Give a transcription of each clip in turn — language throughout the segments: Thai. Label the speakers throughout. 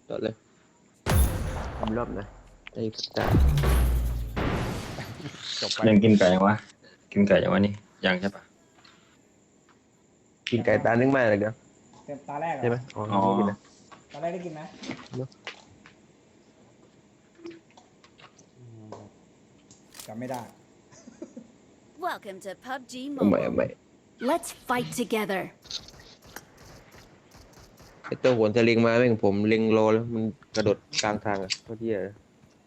Speaker 1: ต่อเลยทำรอบนะไอ้ตา
Speaker 2: จบไป
Speaker 3: ยังกินไก่ยังวะกินไก่ยังวะนี่ยังใช่ปะ
Speaker 1: กินไก่ตานึ่งมาเลยเดี๋ยว
Speaker 4: เต็มตาแรกเหร
Speaker 1: ใช่ไหม
Speaker 4: อ
Speaker 1: อ๋อไม่กินนะ
Speaker 4: ตาแรกได้กินไหมจำไม่ได้
Speaker 5: Welcome to PUBG
Speaker 1: เอาใหม่
Speaker 5: Mobile. Let's fight together.
Speaker 1: ไอ้ตัวโหนสลิงมาแม่งผมเล็งรอแล้วมันกระโดดกลางทางอ่ะโคตรเหี้ยเลย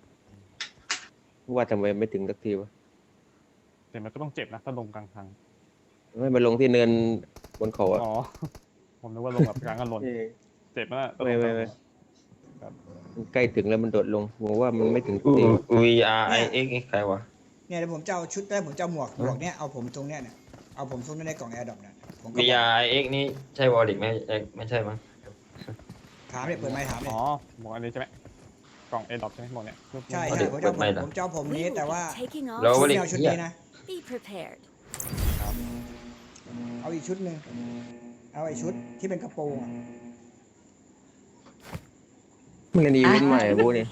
Speaker 1: ว่าทำไมไม่ถึงสักทีวะ
Speaker 2: แต่มันก็ต้องเจ็บนะถ้าลงกลางทาง
Speaker 1: ไม่มาลงที่เนินบนเขาอ่ะ
Speaker 2: อ๋อ ผมนึกว่าลงแบบกลางกันหล่นเจ็บนะต้องลงกลาง
Speaker 1: ไม่มันใกล้ถึงแล้วมันโดดลงผมว่ามันไม่ถึงสักที
Speaker 3: VRIX ใครวะ
Speaker 4: เนี่ยเดี๋ยวผมจะเอาชุดได้ผมจะเอาหมวกเนี้ยเอาผมตรงเนี้ยเนี่ยเอาผมซุกไว้ในกล่องแอร์ดรอปเนี่ยผมก็บอก
Speaker 3: VRIX นี่ใช่วอลลิกไหมไม่ใช่มั้ง
Speaker 4: ถามเนี่ยเปิดไมค์ถามเนี่ย
Speaker 2: อ๋อหมวกอันนี้ใช่ไหมกล่องเอดอปใช่ไหมหมวกเนี้ย
Speaker 4: ใช่ใช่ผมจะเอาผมนี้
Speaker 5: We
Speaker 4: แต่
Speaker 5: will
Speaker 4: ว่า
Speaker 5: be taking
Speaker 3: แล้ว
Speaker 5: off.
Speaker 3: วอลลิก
Speaker 4: ไม่เอาชุด
Speaker 3: เหี้ย
Speaker 4: นี้นะ
Speaker 5: Be prepared.
Speaker 4: เอาอีกชุดหนึ่งเอาไอ้ชุดที่เป็นกระโปรงอ่ะ
Speaker 1: มันเป็นอีเวนต์ใหม่อะพวกนี้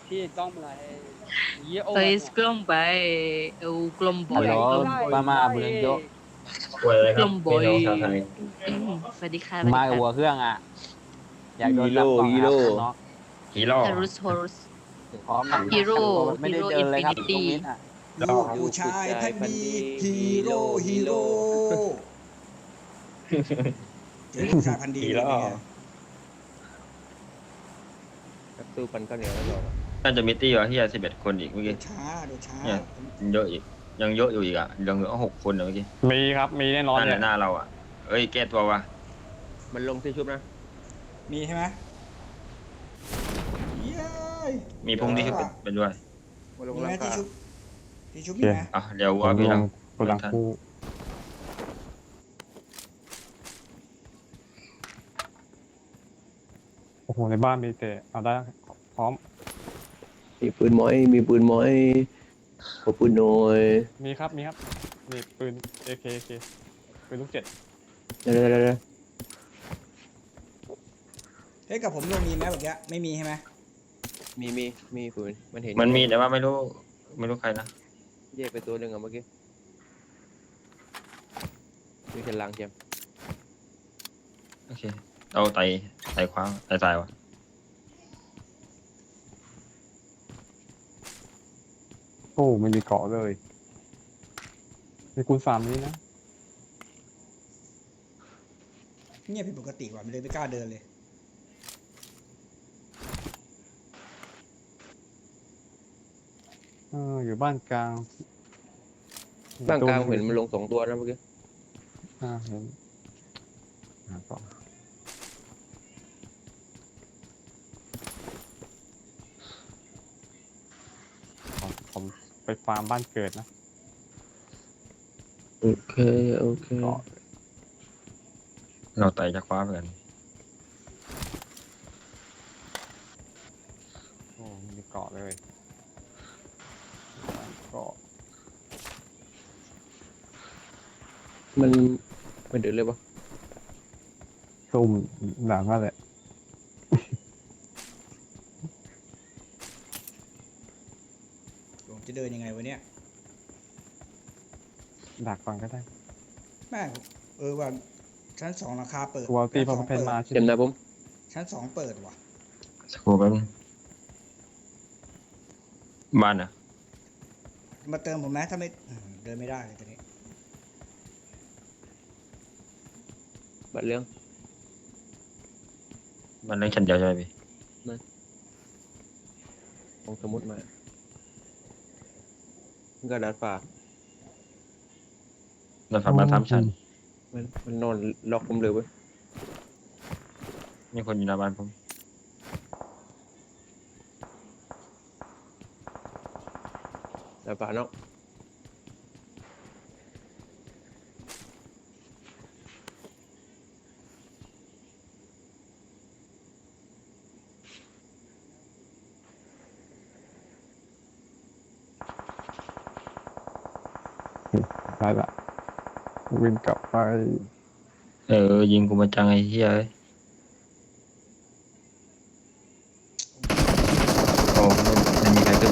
Speaker 6: Saya Scrum by Kelompok
Speaker 7: Halo, Mama Bulan Jo
Speaker 3: ป่วยอะไรครับ
Speaker 6: กลุ่มบอย
Speaker 3: พี่น้องชาวไทย
Speaker 6: สวัสดีค่ะ
Speaker 7: มากับหัวเครื่องอ่ะ อยากโดนจับกล่อง
Speaker 1: ฮีโร่
Speaker 7: ครับน้อง
Speaker 3: ฮีโร่
Speaker 6: ฮารุสฮอรุส
Speaker 7: พร้อม
Speaker 6: ฮีโร่
Speaker 7: ไม่ได้เดินเลยครับต
Speaker 6: Infinity
Speaker 7: รงนี้อ่ะ
Speaker 4: ลูกผู้ชายพันธุ์ดีฮีโร่เจอลูกผู้ชายพันธุ์ดี
Speaker 3: ฮีโร่
Speaker 1: ตู้ปันข้าวเหนียวแล้วบอกอะ
Speaker 3: น่าจะมีตี้วะเฮีย11 คนอีกเมื่อ
Speaker 4: ดู
Speaker 3: กี้
Speaker 4: ช้าดูช้า
Speaker 3: เนี่ยเยอะอีกยังเยอะอยู่อีกอ่ะยังเหลือ6 คนเมื่อกี้
Speaker 2: มีครับมีแน่นอน
Speaker 3: นั่นแห
Speaker 2: เล
Speaker 3: ละ
Speaker 2: ย
Speaker 3: หน้าเราอ่ะเอ้ยแก้ตัววะ
Speaker 1: มันลงที่ชุบนะ
Speaker 4: มีใช่ไหมเย้ย
Speaker 3: มีพรุ่งนี้เป็นด้วย
Speaker 1: มาลง
Speaker 4: มี
Speaker 1: รา
Speaker 4: ไหม
Speaker 1: คา
Speaker 4: ที่ชุบมีไหม
Speaker 3: อ่ะเดี๋ยว
Speaker 2: ผ
Speaker 3: ว่าม พี่
Speaker 2: ล
Speaker 3: ลั
Speaker 2: ง
Speaker 3: ง
Speaker 2: กดหลังคู่โอ้โหในบ้านมีแต่เอาได้พร้อม
Speaker 1: มีปืนหมอยมีปืนหมอยขอปืนหน่อย
Speaker 2: มีครับมีปืน AK ปืนลูก7
Speaker 1: เดี๋ยว
Speaker 4: เฮ้ยกับผมลงมีไหมเมื่อกี้ไม่มีใช่ไหม
Speaker 1: มีปืนมันเห็น
Speaker 3: มันมีแต่ว่าไม่รู้ใครนะ
Speaker 1: แยกไปตัวหนึ่งอะเมื่อกี้มีฉลางเจียม
Speaker 3: โอเคเอาไต่คว้างไต่ตายวะ
Speaker 2: โอ้ไม่มีเกาะเลยมีคูณ3นี้นะ
Speaker 4: เงียบผิดปกติว่ะมันเลยไม่กล้าเดินเลย
Speaker 2: อยู่บ้านกลาง
Speaker 1: บ้างกลางเห็นมันลง2 ตัวนะเมื่อกี้
Speaker 2: เห็นต่อผมไปฟาร์มบ้านเกิดนะ
Speaker 1: โอเค
Speaker 2: เกาะ
Speaker 3: เราไต่จะคว้าเหมือนกัน
Speaker 2: โอ้ไม่มีเกาะเลยเกาะ
Speaker 1: มันเดือดเลยปะ
Speaker 2: ซุ่มหนังนั่นแหละ
Speaker 4: ผมจะเดินยังไงวะเนี่ย
Speaker 2: ดักก่อนก็ได้
Speaker 4: แม่งว่าชั้นสองราคาเปิด
Speaker 2: ตัวตีพอ
Speaker 4: ชั้น
Speaker 2: เพน
Speaker 4: สอง
Speaker 2: มา
Speaker 4: เปิด
Speaker 2: ใช่
Speaker 1: เจ็บ
Speaker 2: ไหม
Speaker 1: นะผม
Speaker 4: ชั้นสองเปิดว่ะ
Speaker 3: สักครู่แป๊บนึงบ้านอ่ะ
Speaker 4: มาเติมผมไหมถ้าไม่เดินไม่ได้เลยตอนนี้
Speaker 1: บัดเรื่อง
Speaker 3: มันเรื่องชั้นเดียวใช่ไหมพี่
Speaker 1: ของสมุดมามันก็ดัดฟ้า
Speaker 3: เราฝันมา3 ชั้น
Speaker 1: มันนอนล็อกผมเลยเว้ย
Speaker 3: มีคนอยู่หน้าบ้านผม
Speaker 1: ดัดฟ้าเนาะ
Speaker 2: ได้ละวิ่งกลับไป
Speaker 3: ยิงกูมาจังไอ้เหี้ยเอ้ย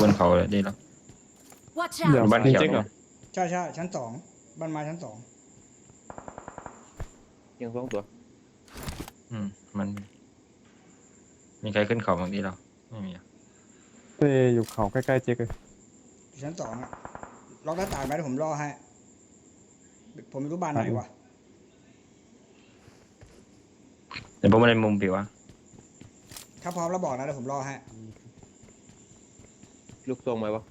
Speaker 3: นเขาเลยดีแล้ว
Speaker 5: Watch
Speaker 2: เดี๋ยว
Speaker 5: out!
Speaker 3: บ้านเขียว
Speaker 2: จริงๆเหรอ
Speaker 4: ใช่ใช่ชั้นสองบ้านไม้ชั้นสอง
Speaker 1: ยังสองตัว
Speaker 3: มันมีใครขึ้นเขาบางทีเราไม่มีอะ
Speaker 2: เต้อยู่เขาใกล้ๆเจ๊กเลย
Speaker 4: อยู่ชั้นสองอะล็อกหน้าต่างไว้เดี๋ยวผมรอให้ผมไม่รู้บ้านไหนวะ
Speaker 3: เดี๋ยวผมมาในมุมผิวอะ
Speaker 4: ถ้าพร้อมแล้วบอกนะเดี๋ยวผมรอให้
Speaker 1: ลูกทรงไหมวะ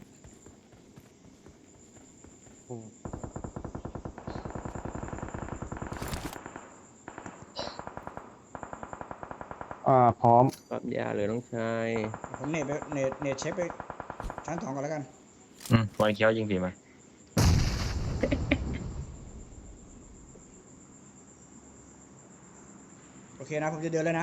Speaker 2: พร้อม
Speaker 1: ปั๊บยาเลยน้องชาย
Speaker 4: ผมเนตไปเนตเช็คไปชั้นสองก่อนแล้วกัน
Speaker 3: วันเขียวยิงผีไหม
Speaker 4: โอเคนะผมจะเดินเลยนะ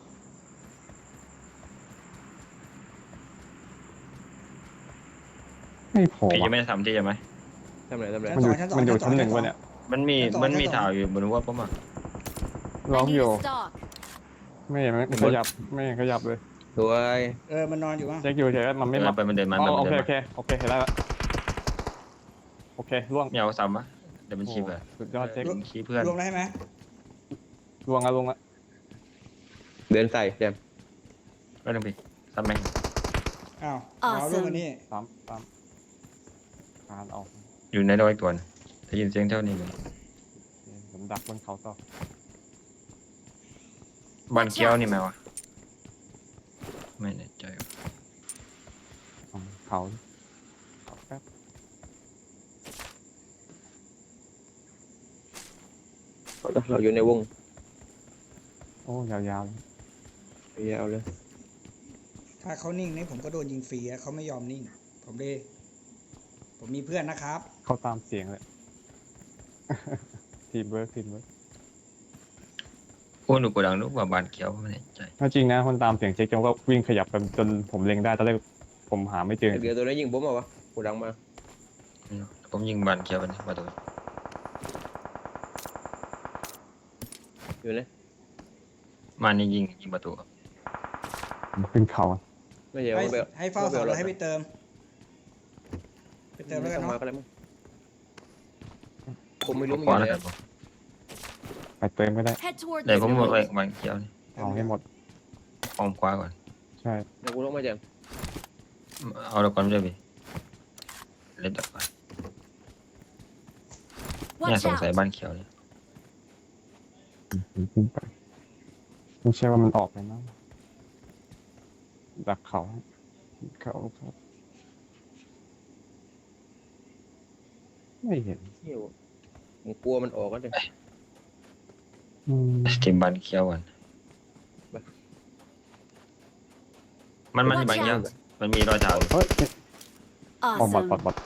Speaker 2: ไม่พอ
Speaker 3: ผี
Speaker 2: ว่ะ
Speaker 3: ยังไม่ได้ทำที่ใช่ไหม
Speaker 1: ทำไรทำไร
Speaker 2: มันอยู่ชั้นหนึ่งวะเนี่ย
Speaker 3: มันมี
Speaker 4: ชั้นสอง
Speaker 3: มันมี
Speaker 4: ชั้นสอง
Speaker 3: ถ่าวอยู่บนหัวผมอ่ะ
Speaker 2: ร้อง
Speaker 5: I
Speaker 2: อ
Speaker 5: need
Speaker 2: ยู่
Speaker 5: a stock.
Speaker 2: ไม่เห็นมันขยับไม่เห็นขยับเลย
Speaker 1: สวย
Speaker 4: มันนอนอยู่มั้ง
Speaker 2: เจ๊กอยู่เฉยๆมันไม่
Speaker 3: เดิ
Speaker 2: มาน
Speaker 3: ไปมันเดินมา
Speaker 2: อ๋อ
Speaker 3: มัน
Speaker 2: โอ
Speaker 3: เดิ
Speaker 2: เคน โอ
Speaker 3: มา
Speaker 2: เคโอเคเห็นแล้วละโอเคล่วง
Speaker 3: ไม่เอาซ้ำอะเดี๋ยวมันชี้ไป
Speaker 2: สุดยอดเจ๊ก
Speaker 3: ชี้เพื่อน
Speaker 4: รวมแล้วใช่ไหม
Speaker 2: ล่วงละ
Speaker 1: เดินใส่แจม
Speaker 3: ไม่ต้องพี่ซ้ำไหม
Speaker 4: อ้าวเอารวมกันนี่
Speaker 2: สามคานออก
Speaker 3: อยู่ในดอยตัวนะได้ยินเสียงเท่านี้เลย
Speaker 2: ผมดักบนเขาต่อ
Speaker 3: บ้านเขียวนี่ไหมวะไม่แน่ใจว่ะ
Speaker 2: เขาแป๊บ
Speaker 1: เราอยู่ในวง
Speaker 2: โอ้ยาวๆเลย
Speaker 1: ยาวเลย
Speaker 4: ถ้าเขานิ่งนี่ผมก็โดนยิงฟรีอะเขาไม่ยอมนิ่ง ผมมีเพื่อนนะครับ
Speaker 2: เขาตามเสียงเลย ทีมเวิร์ก
Speaker 3: โอ้หนูกดดังนึกว่าบ้านเขียวไม่แน่ใจ
Speaker 2: ถ้าจริงนะคนตามเสียงเจ๊กจนก็วิ่งขยับไปจนผมเล็งได้ตอนแรกผมหาไม่เจอ
Speaker 1: เดี๋ยวตัวนี้ยิงผมเอาวะกูดังมา
Speaker 3: ผมยิงบ้านเขียวไปนะประตู
Speaker 1: อยู่นะ
Speaker 3: มานี่ยิงประตู
Speaker 2: ขึ้นเขา
Speaker 1: ไม่ใช่
Speaker 4: ให้
Speaker 1: ว่าแบบ
Speaker 4: ให้เฝ้าเสาแล้วให้ไปเติม ไปเติมแล้วกัน
Speaker 1: มา
Speaker 4: เนาะ
Speaker 1: ก็ได้มั้งผมไม่รู้มัน
Speaker 3: ข
Speaker 1: อ
Speaker 3: วา
Speaker 1: ยู่
Speaker 3: แล้ว
Speaker 1: ไหน
Speaker 3: กันผม
Speaker 2: ไปเติมไม่ได้
Speaker 5: Head toward
Speaker 3: เดี๋ยว
Speaker 5: this
Speaker 3: ผมหมดไป
Speaker 5: place.
Speaker 3: บ้านเขียวนี่
Speaker 2: เอาให้หมด
Speaker 3: อ้อมขวาก่อน
Speaker 2: ใช่
Speaker 1: เดี๋ยวกูต้องมาแจม
Speaker 3: เอาเราก่อนไม่ได้พี่เล่นต่อไปเนี่ย
Speaker 5: Watch
Speaker 3: สงสัย
Speaker 5: out!
Speaker 3: บ้านเขียวเนี่ย
Speaker 2: ขึ้นไปไม่ใช่ว่ามันออกไปนะดักเขาครับไม่เห็น
Speaker 1: เที่ยวผมกลัวมันออกก็เดี๋ยว
Speaker 3: เกมบ้านเขียวก่อนมันอยู่บ้านเขียวมันมีรอยเท้าอยู่
Speaker 2: เฮ้ยบอด
Speaker 5: Awesome.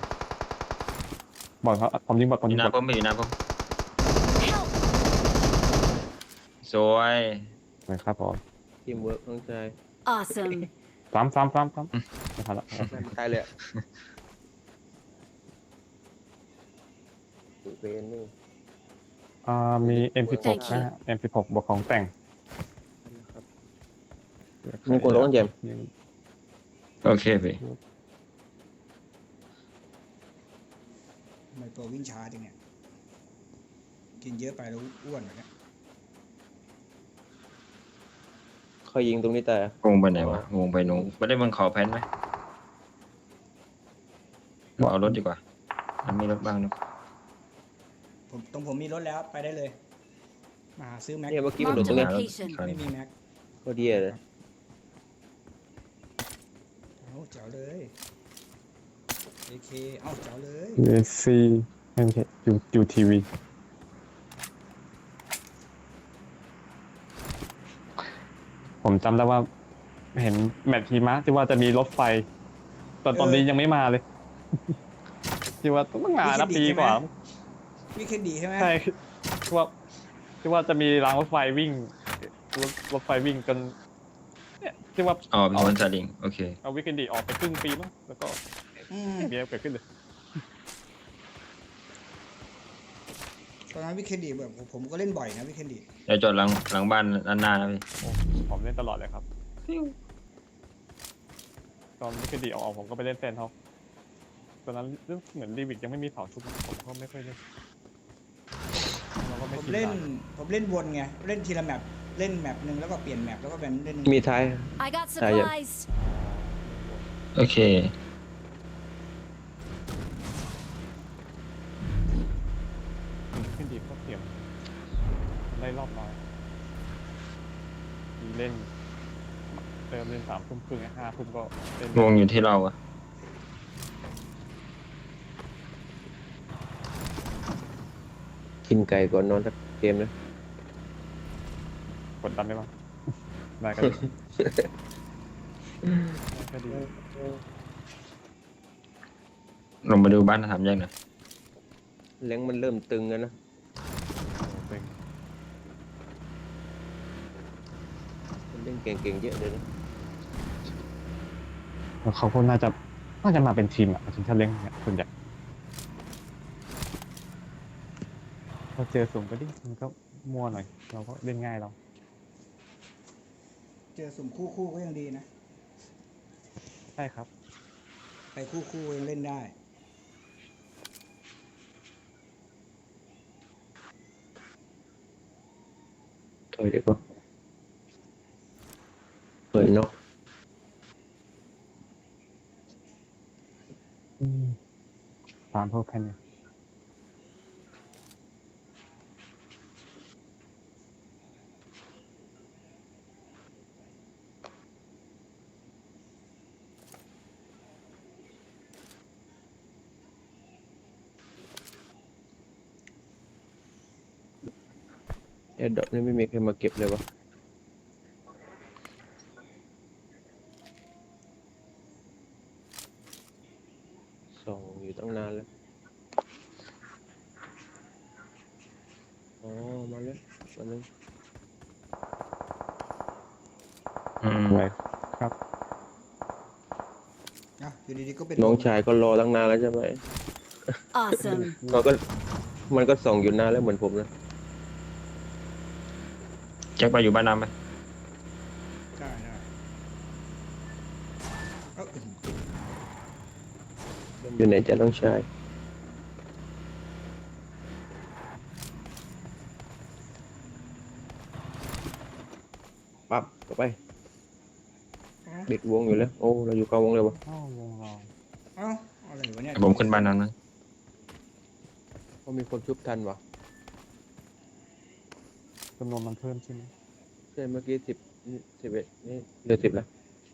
Speaker 2: บอดครับผมยิงบอดผม
Speaker 3: อ
Speaker 2: ยิ
Speaker 3: ยู่
Speaker 2: ง
Speaker 3: หน้า
Speaker 2: บอด
Speaker 3: ผมไม่อยู่หน้าผม
Speaker 5: Help!
Speaker 3: สวย
Speaker 2: เลยครับผม
Speaker 1: ทีมเวิร์กน้องชาย
Speaker 5: Awesome.
Speaker 2: ซ้ำไม่ทันละ
Speaker 1: ตายเลยอะเวนนี่
Speaker 2: มี M16 นะฮะ M16 บวกของแต่ง
Speaker 1: มึงกดร้องแจม
Speaker 3: โอเคพี่
Speaker 4: ทำไมตัววิ่งช้าจังเนี่ย กินเยอะไปแล้วอ้วนแบบเนี้ย
Speaker 1: เขายิงตรงนี้แต่
Speaker 3: งงไปไหนวะงงไปนู้นไม่ได้บนเขาแพนไหมเอารถดีกว่ามันมีรถบ้างนึก
Speaker 4: ผมมีรถแล้วไปได้เลย มาหาซื้อแม็ก
Speaker 1: เนี่ยเมื่อกี้มันโดด
Speaker 5: Marked
Speaker 1: ตรง
Speaker 5: a
Speaker 1: นี้
Speaker 5: location.
Speaker 4: ไม่มีแม็ก
Speaker 1: โคตรเดียเลย
Speaker 4: เอาเจ๋วเลย AK เอาเจ๋วเลย
Speaker 2: AC ไม่ใช่ยูทีวีผมจำได้ว่า เห็นแมตช์ทีมะที่ว่าจะมีรถไฟตอนนี้ยังไม่มาเลย ที่ว่าต้องมานะปีกว่า
Speaker 4: วิกเคนดีใช่ไหม
Speaker 2: ใช่ที่ว่าจะมีรางรถไฟวิ่งรถไฟวิ่งจนเนี่ยที่ว่า
Speaker 3: อ๋อเป็นคนซาลิงโอเค
Speaker 2: เอาวิกเอนดีออกไปครึ่งปีมั้งแล้วก็
Speaker 4: อืม
Speaker 2: เมียเกิดขึ้นเลย
Speaker 4: ตอนนั้นวิกเคนดีแบบผมก็เล่นบ่อยนะวิกเคนดี
Speaker 3: เดี๋ยวจอดหลังบ้านด้านหน้านะพี่
Speaker 2: ผมเล่นตลอดเลยครับตอนที่คดีออกผมก็ไปเล่นแซนท็อกตอนนั้นเรื่องเหมือนดีวิกยังไม่มีเผาชุบผมก็ไม่ค่อยเล่นเราก็ไม่
Speaker 4: ผม
Speaker 2: ชิน
Speaker 4: เล่น
Speaker 2: ตาม
Speaker 4: ผมเล่นวนไงเล่นทีละแมปเล่นแมปหนึ่งแล้วก็เปลี่ยนแมปแล้วก็เป็นเล่น
Speaker 1: มีท้าย
Speaker 5: I got
Speaker 1: Ah, yeah.
Speaker 5: supplies.
Speaker 3: โอเค
Speaker 2: ขึ้นดีก็เสียมได้รอบน้อยเล่นเติมเล่น3 ทุ่มครึ่ง5 ทุ่มก็เล่น
Speaker 3: วงอยู่ที่เราอะ
Speaker 1: กินไก่ก่อนนอนสักเกมนะ
Speaker 2: กดดันได้บ้างได้ก็ดีได้ก็ดี
Speaker 3: ลงมาดูบ้านสามแยกหน่อย
Speaker 1: แรงมันเริ่มตึงแล้วนะ
Speaker 2: เป็น
Speaker 1: มันเล่นเก่งๆเยอะเลยนะ
Speaker 2: แล้วเขาก็น่าจะมาเป็นทีมอ่ะทีมชาติเล้งเนี่ยส่วนใหญ่พอเจอสูงก็ดิมันก็มั่วหน่อยเราก็เล่นง่ายเรา
Speaker 4: เจอสุ่มคู่ก็ยังดีนะ
Speaker 2: ใช่ครับ
Speaker 4: ไปคู่ยังเล่นได้
Speaker 1: ถอยดีกว่าเปิดเนาะ
Speaker 2: ตามพวกแค่นี้
Speaker 1: แอดดอกนี่ไม่มีใครมาเก็บเลยวะส่องอยู่ตั้งนานแล้วอ๋อมาแล้วมาแล้ว
Speaker 2: ไว้ครับ
Speaker 4: นะอยู่ดีๆก็เป็น
Speaker 1: น้องชายก็รอตั้งนานแล้วใช่ไหม
Speaker 5: Awesome.
Speaker 1: มันก็ส่องอยู่นานแล้วเหมือนผมนะ
Speaker 3: แจ็คไปอยู่บ้านน้ำไป
Speaker 4: ได้เอ้า
Speaker 1: อยู่ไหนจะต้องใช้ปั๊บต่อไปเด็กวงอยู่แล้ว โอ้ เราอยู่กลางวงเลยวะ
Speaker 2: เข้าวงเรา
Speaker 4: เอ้าอะไรวะเนี่ย
Speaker 3: ผมขึ้นบ้านน้ำนะ
Speaker 1: เพราะมีคนชุบทันวะ
Speaker 2: จำนวนมันเพิ่มใช่ไหม
Speaker 1: ใช่เมื่อกี้11นี่เหลือ10แล้ว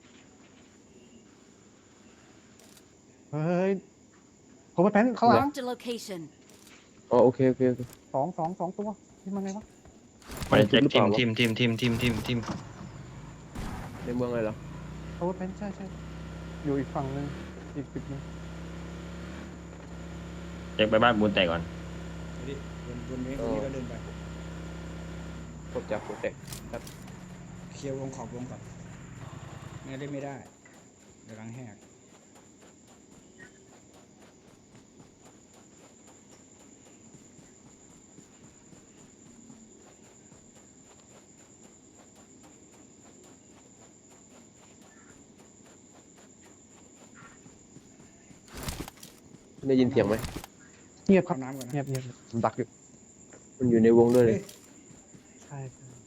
Speaker 2: เฮ้ยผมไปแพนเข้าหลัง
Speaker 5: Marked a location.
Speaker 1: อ๋อโอเคโอเค
Speaker 2: สองตัวนี่มันไงวะ
Speaker 3: ไปแจ็คทีม
Speaker 1: ในเมืองอะไรเหรอ
Speaker 2: เขาไปแพนใช่อยู่อีกฝั่งหนึงอีกจุดหนึง
Speaker 3: แจ็คไปบ้านบูนแตกก่อน
Speaker 4: เดี๋ยวดิวนนี้ก็เดินไป
Speaker 1: พบจากโปรเตก
Speaker 4: เคลียร์วงขอบวงก่อนไม่เล่นไม่ได้เดี๋ยวหลังแหก
Speaker 1: ได้ยินเสียงไหม
Speaker 2: เงียบครับ
Speaker 4: เอาน้ำก่อนนะ
Speaker 2: เงียบผมดักอยู่
Speaker 1: มันอยู่ในวงด้วยเลย
Speaker 2: ใช่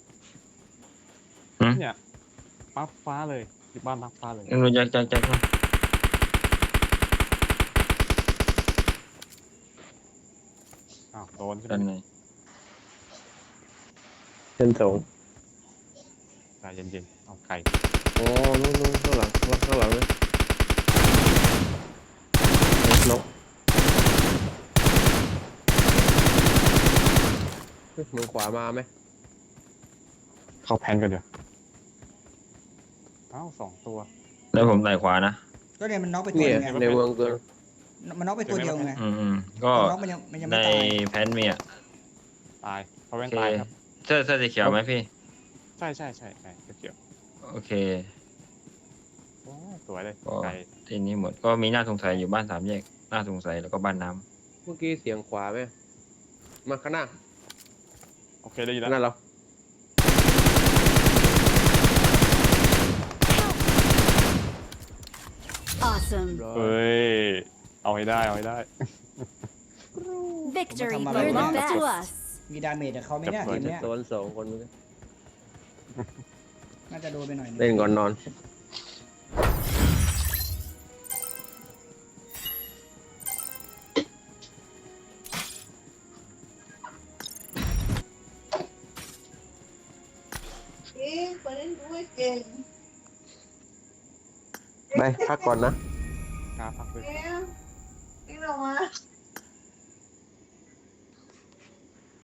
Speaker 3: หืม
Speaker 2: เนี่ยปั๊บฟ้าเลยที่บ้านปั๊บฟ้าเลย
Speaker 3: รู้แจ็คมา
Speaker 2: อ้าวโดนขึ้น
Speaker 3: ด้าน
Speaker 2: มา
Speaker 3: ใน
Speaker 1: ชั้นสอง
Speaker 2: ใจเย็นๆเอาไก่
Speaker 1: อ๋อนู่นข้างหลังเลยนกเฮ้ยมือขวามาไหม
Speaker 2: เข้าแพนกันเดี๋ยวอ้าว2 ตัว
Speaker 3: แล้วผมไหลขวานะ
Speaker 4: ก็เนี่ยมันน็อกไปตัว
Speaker 1: เนี่ย
Speaker 4: ไง
Speaker 1: ในเมืองเกิน
Speaker 4: มันน็อกไปตัวเดียวไง
Speaker 3: ก็
Speaker 4: น็อกมันยัง
Speaker 3: ใน
Speaker 4: ไม่ตาย
Speaker 3: แพนมีอ่ะ
Speaker 2: ตายเขา
Speaker 3: โอ
Speaker 2: แว่น
Speaker 3: เค
Speaker 2: ตายครับ
Speaker 3: เสื้อสีเขียวไหมพี่
Speaker 2: ใช่เกี่ยว
Speaker 3: โอเค
Speaker 2: โอ้สวยเลย
Speaker 3: ก็
Speaker 2: ไก่
Speaker 3: ทีนี้หมดก็มีหน้าสงสัยอยู่บ้านสามแยกหน้าสงสัยแล้วก็บ้านน้ำ
Speaker 1: เมื่อกี้เสียงขวาไหมมาข้างหน้า
Speaker 2: โอเคได้ยินแล้ว
Speaker 1: นั่นเหรอ
Speaker 5: Help! Awesome.
Speaker 2: เฮ้ย เอาให้ได้ เอาให้ได้
Speaker 5: Victory
Speaker 4: Come on,
Speaker 5: belongs
Speaker 4: man.
Speaker 5: to us.
Speaker 4: มีดาเมจกับเขาไหมเนี่ย
Speaker 2: จับ
Speaker 4: เก
Speaker 2: ก่อน
Speaker 4: มเนี้ย
Speaker 1: โดนสองคนเหมือนกัน
Speaker 4: น่าจะโดนไปหน่อยนึง
Speaker 1: เล่นก่อนนอน ไปพักก่อนนะ
Speaker 2: กล้าพักเลย
Speaker 8: นี่เรามา